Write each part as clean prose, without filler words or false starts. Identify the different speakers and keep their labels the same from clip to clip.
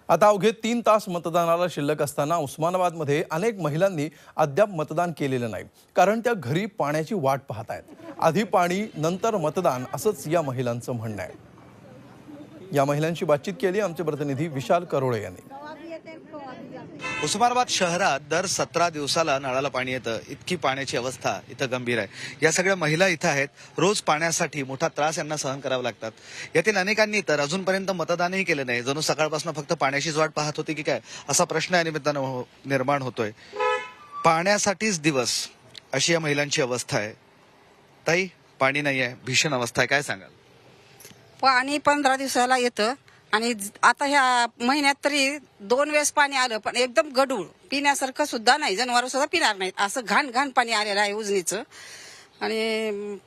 Speaker 1: आता अवघे 3 तास मतदानाला शिल्लक असताना उस्मानाबादमध्ये अनेक महिलांनी अद्याप मतदान केलेलं नाही, कारण त्या घरी पाण्याची वाट पाहत आहेत। आधी पाणी नंतर मतदान असंच या महिलांचं म्हणणं आहे। या महिलांशी बातचीत केली आमचे प्रतिनिधी विशाल करोळे यांनी।
Speaker 2: उस्मानाबाद शहरात दर 17 दिवसाला नळाला पाणी येतं, इतकी पाण्याची अवस्था इथं गंभीर आहे। या सगळ्या महिला इथं आहेत, रोज पाण्यासाठी मोठा त्रास यांना सहन करावा लागतात। यातील अनेकांनी तर अजूनपर्यंत मतदानही केलं नाही, जणू सकाळपासून फक्त पाण्याचीच वाट पाहत होती की काय, असा प्रश्न या निमित्तानं निर्माण होतोय। पाण्यासाठीच दिवस अशी या महिलांची अवस्था आहे। ताई, पाणी नाही आहे, भीषण अवस्था आहे, काय सांगाल?
Speaker 3: पाणी 15 दिवसाला येतं आणि आता ह्या महिन्यात तरी 2 वेळेस पाणी आलं, पण एकदम गढूळ, पिण्यासारखं सुद्धा नाही, जनावर सुद्धा पिणार नाहीत, असं घाण घाण पाणी आलेलं आहे उजनीचं। आणि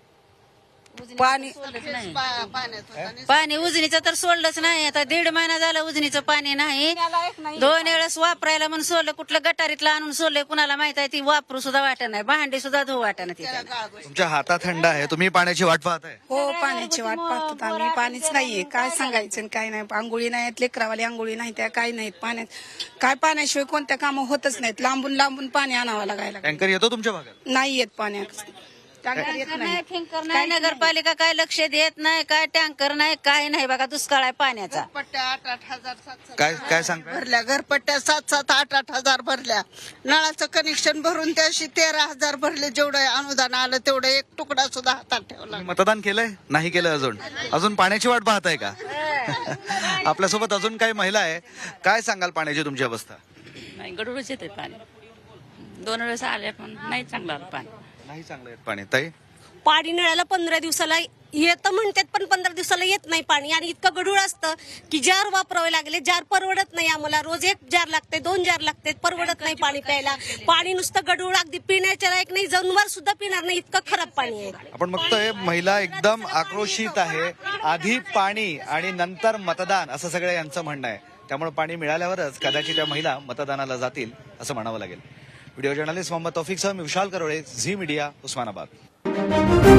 Speaker 4: पाणी उजनीचं तर सोडलंच नाही। आता 1.5 महिना झाला उजनीचं पाणी नाही। 2 वेळेस वापरायला म्हणून सोडलं, कुठलं गटारीतलं आणून सोडलंय कुणाला माहित आहे, ती वापरू सुद्धा वाटत नाही, भांडी सुद्धा धुवू वाटत नाही।
Speaker 2: तुमच्या हातात थंड आहे, तुम्ही पाण्याची वाट पाहताय?
Speaker 3: हो, पाण्याची वाट पाहतो आम्ही, पाणीच नाहीये, काय सांगायचं काय नाही, आंघोळी नाहीत, लेकरावाली आंघोळी नाही, त्या काय नाहीत, पाण्यात काय पाण्याशिवाय कोणत्या कामं होतच नाहीत, लांबून लांबून पाणी आणावं लागायला।
Speaker 2: टँकर येतो तुमच्या भागात?
Speaker 3: नाही येत पाण्यात, टँकर येत नाही,
Speaker 4: काय नगरपालिका काय लक्ष देत नाही, काय टँकर नाही, काय नाही बघा, दुष्काळ आहे पाण्याचा।
Speaker 2: काय काय सांगताय?
Speaker 5: भरल्या घरपट्ट्या 7-7, 8-8 हजार भरल्या, नळाचं कनेक्शन भरून त्याशी 13,000 भरले, जेवढं अनुदान आलं तेवढं एक तुकडा सुद्धा हातात ठेवला।
Speaker 2: तुम्ही मतदान केलंय? नाही केलं अजून पाण्याची वाट पाहताय का? आपल्यासोबत अजून काही महिला आहे, काय सांगाल पाण्याची तुमची अवस्था?
Speaker 6: नाही, गडूळच येते पाणी, 2 वेळेस आले पण नाही चांगलं आलं पाणी,
Speaker 2: नाही चांगलं येत पाणी। ताई,
Speaker 7: पाणी नळाला 15 दिवसाला येतं म्हणतात, पण 15 दिवसाला येत नाही पाणी, आणि इतकं गढूळ असतं की जार वापरावे लागले, जार परवडत नाही आम्हाला, रोज 1 जार लागते, 2 जार लागते, परवडत नाही पाणी प्यायला, पाणी नुसतं गढूळ, अगदी पिण्याच्या लायक नाही, जनावर सुद्धा पिणार नाही, इतकं खराब पाणी आहे।
Speaker 2: आपण बघतोय महिला एकदम आक्रोशित आहे, आधी पाणी आणि नंतर मतदान असं सगळं यांचं म्हणणं आहे। त्यामुळे पाणी मिळाल्यावरच कदाचित त्या महिला मतदानाला जातील असं म्हणावं लागेल। व्हिडिओ जर्नलिस्ट मोहम्मद तौफिकसह मी विशाल करोळे, झी मीडिया, उस्मानाबाद।